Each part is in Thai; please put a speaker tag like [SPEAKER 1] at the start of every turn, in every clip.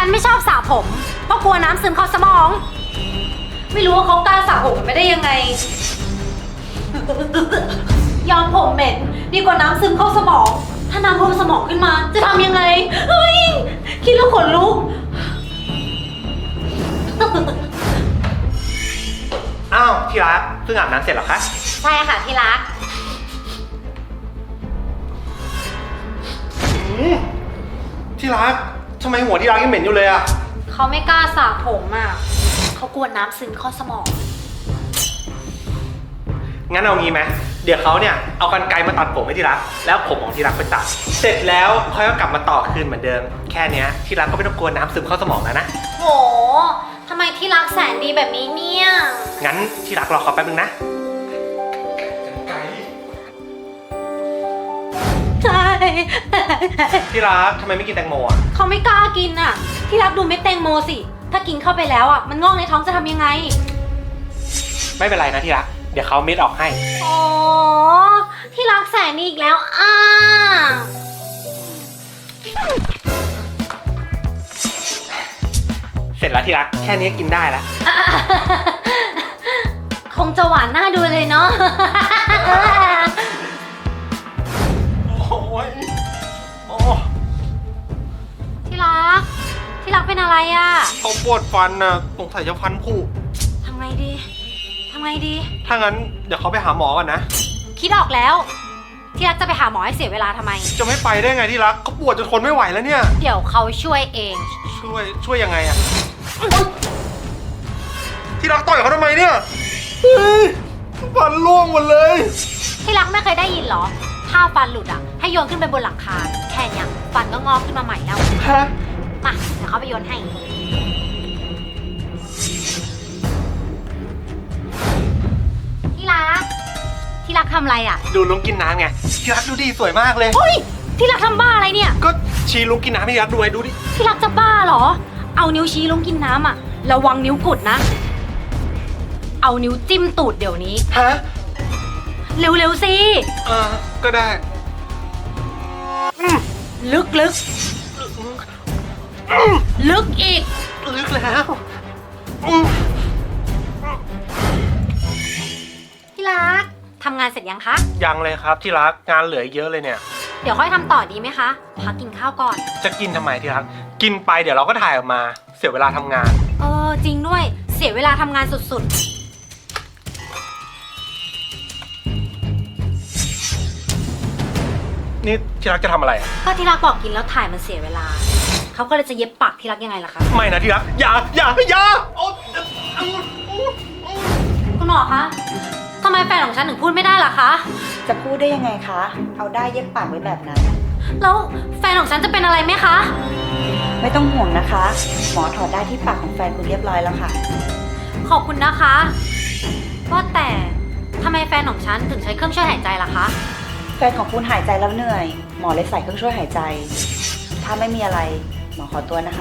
[SPEAKER 1] นไม่ชอบสระผมเพราะกลัวน้ำซึมเข้าสมอง ไม่รู้ว่าเขากล้าสระผมไม่ได้ยังไง ยอมผมเหม็นดีกว่าน้ำซึมเข้าสมอง ถ้าน้ำท่วมสมองขึ้นมาจะทำยังไง เฮ้ย คิดแล้วขนลุก
[SPEAKER 2] อ้าวที่รักเพิ่งอาบน้ำเสร็จเหรอคะ
[SPEAKER 1] ใช่ค่ะที่รัก
[SPEAKER 2] ที่รักทำไมหัวที่รักยังเหม็นอยู่เลยอะ
[SPEAKER 1] เขาไม่กล้าสระผมอ่ะเขากลัวน้ำซึมเข้าสมอง
[SPEAKER 2] งั้นเอางี้ไหมเดี๋ยวเขาเนี่ยเอากรรไกรมาตัดผมให้ที่รักแล้วผมของที่รักไปตัดเสร็จแล้วค่อยก็กลับมาต่อคืนเหมือนเดิมแค่เนี้ยที่รักก็ไม่ต้องกลัวน้ำซึมเข้าสมองแล้วนะ
[SPEAKER 1] โหทำไมที่รักแสนดีแบบนี้เนี่ย
[SPEAKER 2] งั้นที่รักรอเขาแป๊บนึงนะกรรไกร
[SPEAKER 1] ใช่
[SPEAKER 2] ที่รักทำไมไม่กินแตงโมอะ
[SPEAKER 1] เขาไม่กล้ากินอ่ะ ที่รักดูเม็ดแตงโมสิ ถ้ากินเข้าไปแล้วอ่ะ มันงอกในท้องจะทำยังไง
[SPEAKER 2] ไม่เป็นไรนะที่รักเดี๋ยวเขาเม็ดออกให้
[SPEAKER 1] อ๋อ ที่รักแสนดีอีกแล้วอ่ะ
[SPEAKER 2] เสร็จแล้วที่รักแค่นี้กินได้แล้ว
[SPEAKER 1] คงจะหวานน่าดูเลยเนาะ
[SPEAKER 2] โอ้ยโอ้
[SPEAKER 1] ที่รัก ที่รักเป็นอะไรอ่ะ
[SPEAKER 2] เขาปวดฟันนะสงสัยจะฟันผุ
[SPEAKER 1] ทำไงดี ทำไงดี
[SPEAKER 2] ถ้างั้นเดี๋ยวเขาไปหาหมอก่อนนะ
[SPEAKER 1] คิดออกแล้ว ที่รักจะไปหาหมอให้เสียเวลาทำไม
[SPEAKER 2] จะไม่ไปได้ไงที่รักเขาปวดจนทนไม่ไหวแล้วเนี่ย
[SPEAKER 1] เดี๋ยวเขาช่วยเอง
[SPEAKER 2] ช่วยยังไงอะที่รักต่อยเขาทำไมเนี่ยเฮ้ยฟันร่วงหมดเลย
[SPEAKER 1] ที่รักไม่เคยได้ยินเหรอ ถ้าฟันหลุดอ่ะ ให้โยนขึ้นไปบนหลังคา แค่เนี้ยฟันก็งอกขึ้นมาใหม่แล้ว
[SPEAKER 2] ฮะ
[SPEAKER 1] มาเดี๋ยวเขาไปโยนให้ ที่รัก ที่รักทำอะไรอ่ะ
[SPEAKER 2] ดูลุงกินน้ำไงที่รักดูดีสวยมากเลย
[SPEAKER 1] เฮ้ย ที่รักทำบ้าอะไรเนี่ย
[SPEAKER 2] ก็ชี้ลุงกินน้ำให้ที่รักดูไว้ดูดิ
[SPEAKER 1] ที่รักจะบ้าเหรอ เอานิ้วชี้ลงกินน้ำอ่ะ ระวังนิ้วกุดนะ เอานิ้วจิ้มตูดเดี๋ยวนี้
[SPEAKER 2] ฮะ
[SPEAKER 1] เร็วๆสิ
[SPEAKER 2] ก็ได้
[SPEAKER 1] ลึกๆ ลึกอีก
[SPEAKER 2] ลึกแล้ว
[SPEAKER 1] ที่รักทำงานเสร็จยังคะ
[SPEAKER 2] ยังเลยครับที่รักงานเหลืออีกเยอะเลยเนี่ย
[SPEAKER 1] เดี๋ยวค่อยทำต่อดีไหมคะ พักกินข้าวก่อน
[SPEAKER 2] จะกินทำไมที่รักกินไปเดี๋ยวเราก็ถ่ายออกมาเสียเวลาทำงาน
[SPEAKER 1] เออจริงด้วย เสียเวลาทำงานสุด
[SPEAKER 2] นี่ที่รักจะทำอะไรอะ
[SPEAKER 1] ๆ ก็ที่รักบอกกินแล้วถ่ายมันเสียเวลา เขาก็เลยจะเย็บปากที่รักยังไงล่ะคะ
[SPEAKER 2] ไม่นะที่รักอย่าโอ๊ย
[SPEAKER 1] คุณหมอคะทำไมแฟนของฉันถึงพูดไม่ได้ล่ะคะ
[SPEAKER 3] จะพูดได้ยังไงคะ เอาได้เย็บปากไว้แบบนั้น
[SPEAKER 1] แล้วแฟนของฉันจะเป็นอะไรไหมคะ
[SPEAKER 3] ไม่ต้องห่วงนะคะ หมอถอดได้ที่ปากของแฟนคุณเรียบร้อยแล้วค่ะ
[SPEAKER 1] ขอบคุณนะคะว่าแต่ทำไมแฟนของฉันถึงใช้เครื่องช่วยหายใจล่ะคะ
[SPEAKER 3] แฟนของคุณหายใจแล้วเหนื่อย หมอเลยใส่เครื่องช่วยหายใจ ถ้าไม่มีอะไร หมอขอตัวนะคะ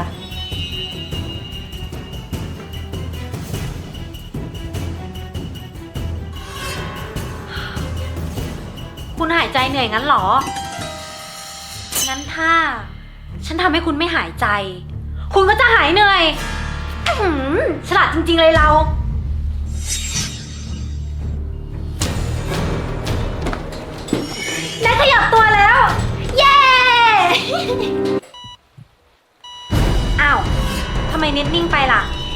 [SPEAKER 1] คุณหายใจเหนื่อยงั้นเหรอ งั้นถ้า ฉันทำให้คุณไม่หายใจ คุณก็จะหายเหนื่อยอื้อหือฉลาดจริงๆเลยเรา ได้ขยับตัวแล้ว เย้ อ้าว ทำไมเน็ตนิ่งไปล่ะ